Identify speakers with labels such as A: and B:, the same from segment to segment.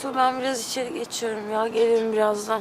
A: Su, ben biraz içeri geçiyorum ya. Gelirim birazdan.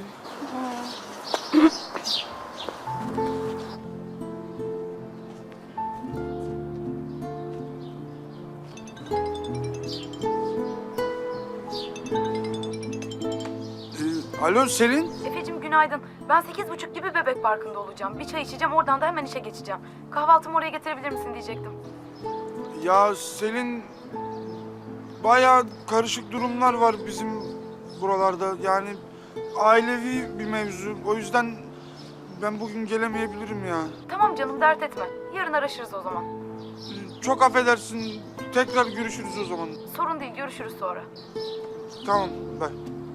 B: Alo Selin.
C: Efe'cim günaydın. Ben 8.30 gibi Bebek Parkı'nda olacağım. Bir çay içeceğim, oradan da hemen işe geçeceğim. Kahvaltımı oraya getirebilir misin diyecektim.
B: Ya Selin, bayağı karışık durumlar var bizim buralarda. Yani ailevi bir mevzu. O yüzden ben bugün gelemeyebilirim ya.
C: Tamam canım, dert etme. Yarın araşırız o zaman.
B: Çok affedersin. Tekrar görüşürüz o zaman.
C: Sorun değil, görüşürüz sonra.
B: Tamam, bye.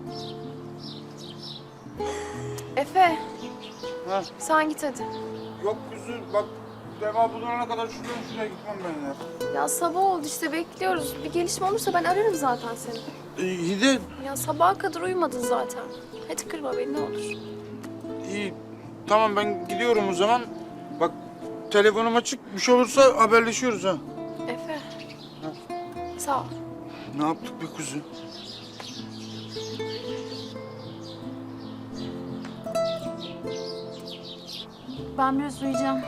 D: Efe,
B: Ha.
D: sen git hadi.
B: Yok kuzu, bak Deva bulana kadar şuraya gitmem ben ya.
D: Ya sabah oldu işte, bekliyoruz. Bir gelişme olursa ben ararım zaten seni.
B: İyi de
D: Ya sabaha kadar uyumadın zaten. Hadi kırma beni ne olur.
B: iyi. Tamam ben gidiyorum o zaman. Bak telefonum açık. Bir şey olursa haberleşiyoruz ha.
D: Efe. Sağ ol.
B: Ne yaptık be kuzu?
E: Ben biraz uyuyacağım.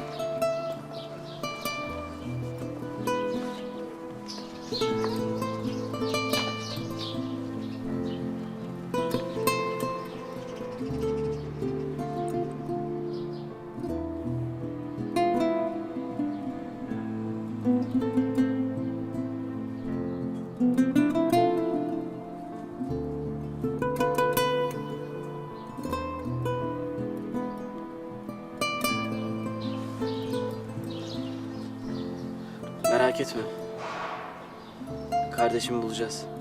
F: Merak etme. Kardeşimi bulacağız.